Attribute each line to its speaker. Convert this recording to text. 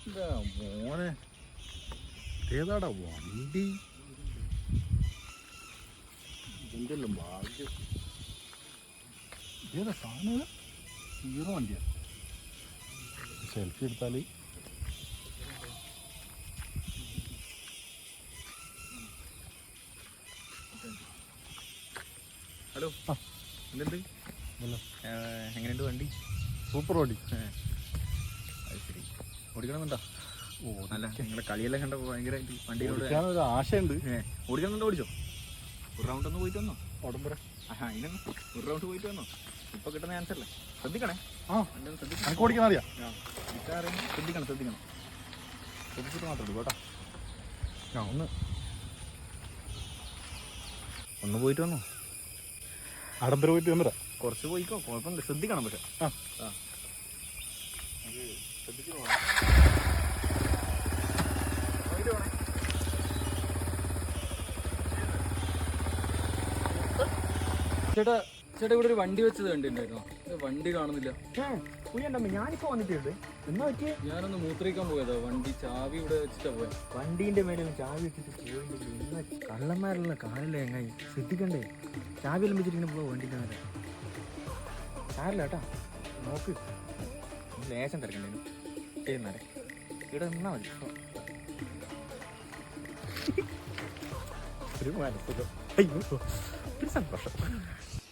Speaker 1: മോനെ ഏതാടാ വണ്ടി? എന്തെല്ലാം ഭാഗ്യം. ഏതാ സാധനം? ഹീറോ വണ്ടിയാ. സെൽഫി എടുത്താൽ
Speaker 2: ഹലോ. എന്തുണ്ട്? എങ്ങനെയുണ്ട് വണ്ടി?
Speaker 1: സൂപ്പർ വണ്ടി.
Speaker 2: അത് ശരി. ഓടിക്കണമെന്നുണ്ടോ? ഓ നല്ല. നിങ്ങളുടെ കളിയെല്ലാം കണ്ടപ്പോൾ ഭയങ്കരമായിട്ട് വണ്ടിയിലൂടെ
Speaker 1: ഒരു ആശയുണ്ട്.
Speaker 2: ഓടിക്കണമെന്നുണ്ടോ? ഓടിച്ചോ? ഒരു റൗണ്ട് ഒന്ന് പോയിട്ട് വന്നോ?
Speaker 1: ഉടമ്പര.
Speaker 2: അതിനൊന്ന് ഒരു റൗണ്ട് പോയിട്ട് വന്നോ? ഇപ്പൊ കിട്ടുന്ന ചാൻസ് അല്ലേ? ശ്രദ്ധിക്കണേ.
Speaker 1: എനിക്ക് ഓടിക്കാൻ അറിയാം.
Speaker 2: ശ്രദ്ധിക്കണം ശ്രദ്ധിച്ചിട്ട് മാത്രമേ ഉള്ളൂ കേട്ടോ. ഒന്ന് പോയിട്ട് വന്നോ?
Speaker 1: ആഡംബരം പോയിട്ട് വന്നരാ.
Speaker 2: കുറച്ച് പോയിക്കോ, കുഴപ്പമില്ല. ശ്രദ്ധിക്കണം. പക്ഷെ
Speaker 3: ചേട്ടാ ഇവിടെ ഒരു വണ്ടി വെച്ചത് കണ്ടിട്ടുണ്ടായിരുന്നോ? വണ്ടി കാണുന്നില്ല.
Speaker 2: ഞാനിപ്പോ വന്നിട്ടുണ്ട്. എന്നാ പറ്റിയേ?
Speaker 3: ഞാനൊന്ന് മൂത്രിക്കാൻ പോയതാ. വണ്ടി ചാവി ഇവിടെ വെച്ചിട്ടാ പോയത്.
Speaker 2: വണ്ടീന്റെ മേലെ ചാവി വെച്ചിട്ട് പോയിട്ടില്ല. കള്ളന്മാരുള്ള കാലില്ല. എങ്ങനെ ശ്രദ്ധിക്കണ്ടേ? ചാവി എല്ലാം വെച്ചിട്ട് പോവാ വണ്ടിന്റെ മേലെ. സാരില്ല കേട്ടാ, നോക്ക്. ലേശം തിരക്കണ്ടേനു. ഇവിടെ നിന്നാ മതി. ഒരു മനസ്സിലോ. അയ്യോ, ഒരു സന്തോഷം.